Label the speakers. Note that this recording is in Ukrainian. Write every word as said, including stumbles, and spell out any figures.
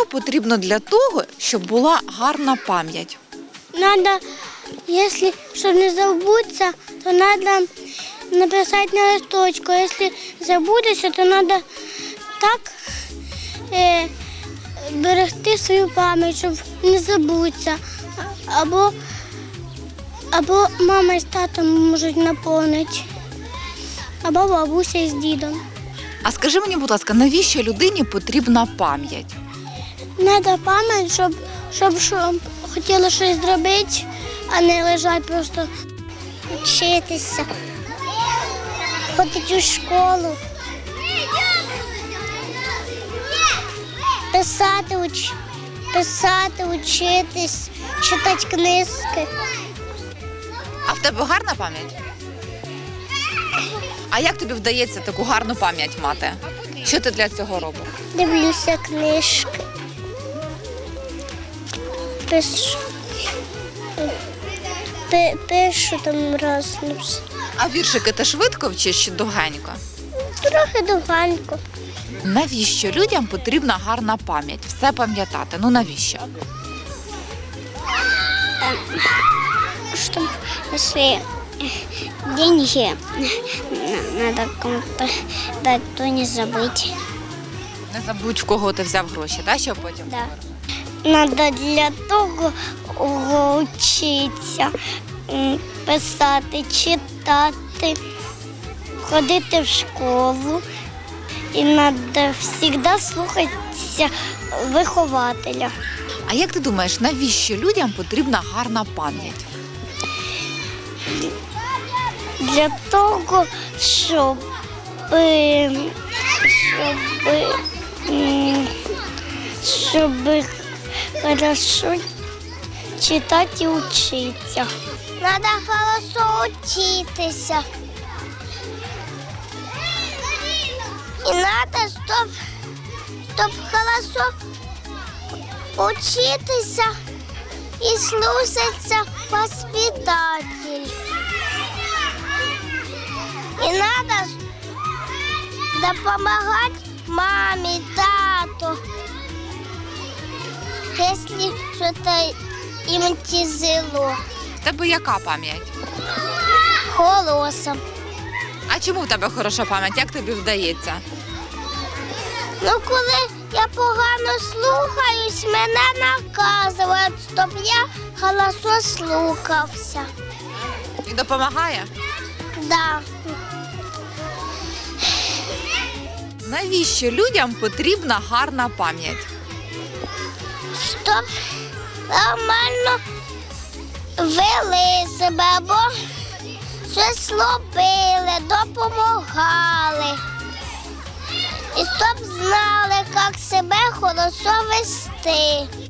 Speaker 1: потрібно для того, щоб була гарна пам'ять?
Speaker 2: Надо, если, чтобы не забыться, то надо написать на листочку. Если забудешься, то надо так е, берегти свою пам'ять, щоб не забутися. Або, або мама з татом можуть наповнити, або бабуся з дідом.
Speaker 1: А скажи мені, будь ласка, навіщо людині потрібна пам'ять?
Speaker 2: Треба пам'ять, щоб, щоб, щоб хотіла щось зробити, а не лежати просто. Вчитися, ходити у школу, писати, уч... писати, учитись, читати книжки.
Speaker 1: А в тебе гарна пам'ять? А як тобі вдається таку гарну пам'ять мати? Що ти для цього робиш?
Speaker 2: Дивлюся книжки, пишу, Пи- пишу там раз.
Speaker 1: А віршики ти швидко вчиш чи довгенько?
Speaker 2: Трохи довганько.
Speaker 1: Навіщо людям потрібна гарна пам'ять? Все пам'ятати. Ну навіщо?
Speaker 2: Чтобы если деньги надо кому-то дать, то не забыть.
Speaker 1: Не забудь, в кого ти взяв гроші, так, щоб потім?
Speaker 2: Да. Надо для того вчитися, м, писати, читати, ходити в школу. І треба завжди слухатися вихователя.
Speaker 1: А як ти думаєш, навіщо людям потрібна гарна пам'ять?
Speaker 2: Для того, щоб, е, щоб, м, щоб хорошо читати і вчитися. Треба хорошо вчитися. І треба, щоб, щоб хорошо вчитися і слухатися воспитатель. І треба допомагати мамі, тату, якщо щось їм тяжело.
Speaker 1: В тебе яка пам'ять?
Speaker 2: Голосом.
Speaker 1: А чому в тебе хороша пам'ять? Як тобі вдається?
Speaker 2: Ну, коли я погано слухаюсь, мене наказують, щоб я голосно слухався.
Speaker 1: І допомагає?
Speaker 2: Да.
Speaker 1: Навіщо людям потрібна гарна пам'ять?
Speaker 2: Щоб нормально вели себе або щось робили, допомагали. І щоб знали, як себе хорошо вести.